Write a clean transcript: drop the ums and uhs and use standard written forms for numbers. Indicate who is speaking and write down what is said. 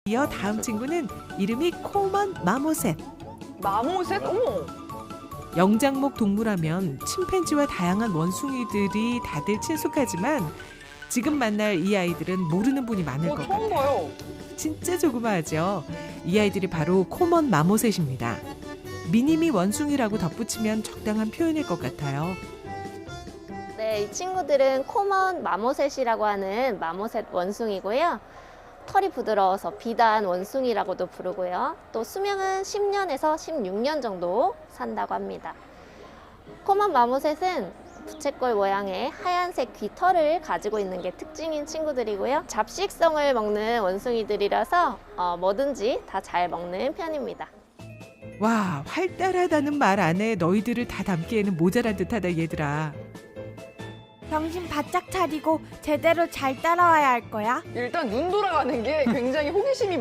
Speaker 1: 이어 다음 친구는 이름이 코먼 마모셋.
Speaker 2: 마모셋? 어머!
Speaker 1: 영장목 동물하면 침팬지와 다양한 원숭이들이 다들 친숙하지만 지금 만날 이 아이들은 모르는 분이 많을 것
Speaker 2: 처음
Speaker 1: 같아요.
Speaker 2: 봐요.
Speaker 1: 진짜 조그마하죠. 이 아이들이 바로 코먼 마모셋입니다. 미니미 원숭이라고 덧붙이면 적당한 표현일 것 같아요.
Speaker 3: 네, 이 친구들은 코먼 마모셋이라고 하는 마모셋 원숭이고요. 털이 부드러워서 비단 원숭이라고도 부르고요. 또 수명은 10년에서 16년 정도 산다고 합니다. 코먼 마모셋은 부채꼴 모양의 하얀색 귀털을 가지고 있는 게 특징인 친구들이고요. 잡식성을 먹는 원숭이들이라서 뭐든지 다 잘 먹는 편입니다.
Speaker 1: 와, 활달하다는 말 안에 너희들을 다 담기에는 모자란 듯하다 얘들아.
Speaker 4: 정신 바짝 차리고 제대로 잘 따라와야 할 거야.
Speaker 2: 일단 눈 돌아가는 게 굉장히 호기심이